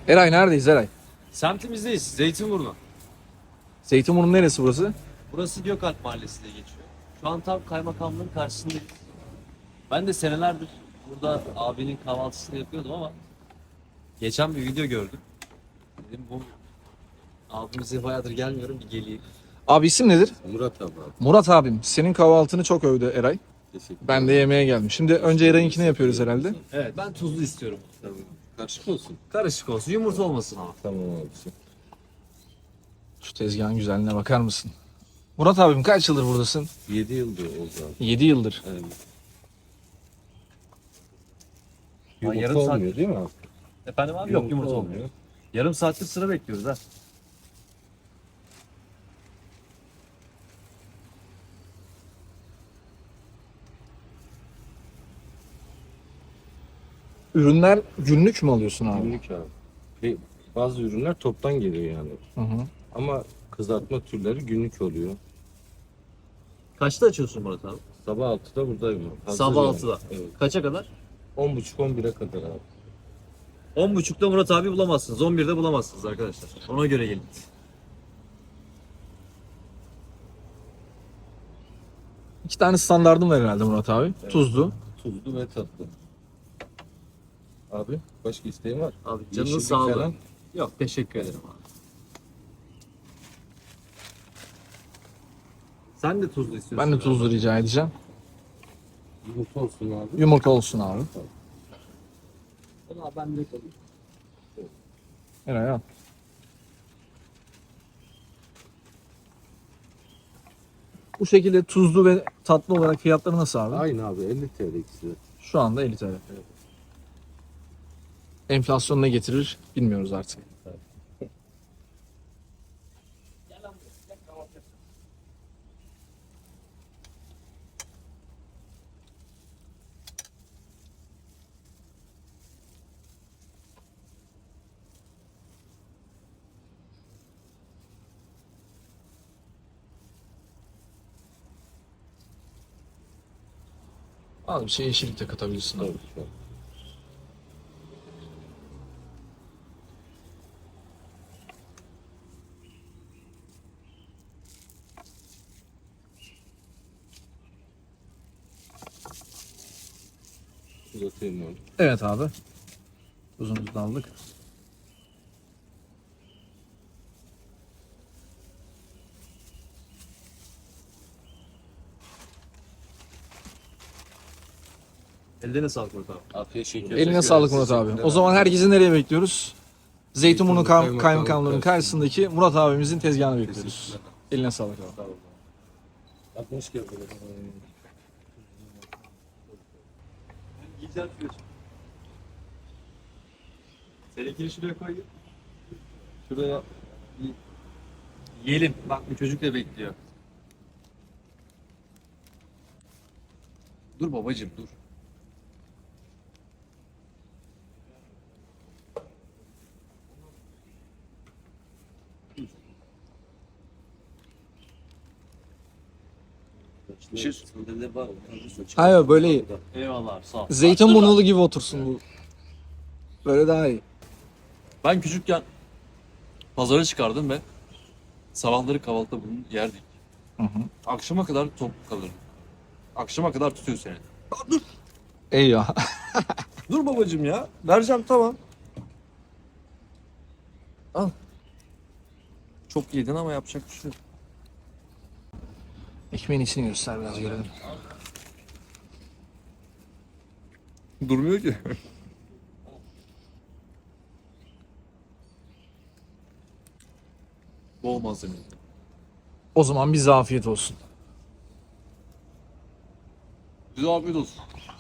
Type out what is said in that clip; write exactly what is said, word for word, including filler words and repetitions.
Eray neredeyiz Eray? Semtimizdeyiz. Zeytinburnu. Zeytinburnu'nun neresi burası? Burası Gökalp Mahallesi diye geçiyor. Şu an tam kaymakamlığın karşısındayız. Ben de senelerdir burada abinin kahvaltısını yapıyordum ama geçen bir video gördüm. Dedim bu abimize bayağıdır gelmiyorum, bir geleyim. Abi isim nedir? Murat abi. Murat abim. Senin kahvaltını çok övdü Eray. Teşekkür Ben de yemeğe geldim. Şimdi önce Eray'ınkini yapıyoruz herhalde. Evet, ben tuzlu istiyorum. Tamam. Karışık olsun. Karışık olsun, yumurta olmasın ama. Tamam abisi. Şu tezgahın güzelliğine bakar mısın? Murat abim kaç yıldır buradasın? yedi yıldır oldu abi. yedi yıldır. Evet. Ha, Yumurta yarım saat- olmuyor değil mi abi? Efendim abi? Yok, yumurta olmuyor. Yarım saattir sıra bekliyoruz ha. Ürünler günlük mü alıyorsun abi? Günlük abi. Ve bazı ürünler toptan geliyor yani. Hı hı. Ama kızartma türleri günlük oluyor. Kaçta açıyorsun Murat abi? Sabah altıda buradayım. abi. Hazır Sabah yani. altıda. Evet. Kaça kadar? on buçuk on bire kadar abi. on buçukta Murat abi bulamazsınız. on birde bulamazsınız arkadaşlar. Ona göre gelin. İki tane standardım var herhalde Murat abi. Evet. Tuzlu. Tuzlu ve tatlı. Abi başka isteğin var? Abi canının Yeşillik sağlığı. falan. Yok, teşekkür ederim abi. Sen de tuzlu istiyorsun. Ben de tuzlu rica edeceğim. Yumurta olsun abi. Yumurta olsun abi. Valla ben de kalayım. Eray al. Bu şekilde tuzlu ve tatlı olarak fiyatları nasıl abi? Aynı abi elli T L ikisi. Şu anda elli T L. Enflasyon ne getirir bilmiyoruz artık. Al bir şey yeşillik de katabilirsin abi. Tabii ki. Uzatayım abi. Evet abi. Tuzumuzu da aldık. Ellerine sağlık Murat abi. Afiyet şeker. Eline sağlık Murat abi. O zaman herkesi nereye bekliyoruz? Zeytinburnu Kay- Kaymakamlığı'nın karşısındaki Murat abimizin tezgahını bekliyoruz. Eline sağlık abi. altmış kere. Güzel fiyat. Seninkini şuraya koy. Şuraya Yiyelim. Bak bu çocuk da bekliyor. Dur babacım dur. bir şey sandalye var. Hayır böyle iyi. Eyvallah abi, sağ ol. Zeytinburnulu gibi otursun bu. Böyle daha iyi. Ben küçükken pazara çıkardım ve sabahları kahvaltıda bunu yerdik. Hı hı. Akşama kadar tok kalırdım. Akşama kadar tutuyor seni. İyi ya. Dur babacım ya. Vereceğim tamam. Al. Çok yedin ama yapacak bir şey yok. Ekmeğin içini göster biraz görelim. Durmuyor ki. Bol malzemeli. O zaman bize afiyet olsun. Bize afiyet olsun.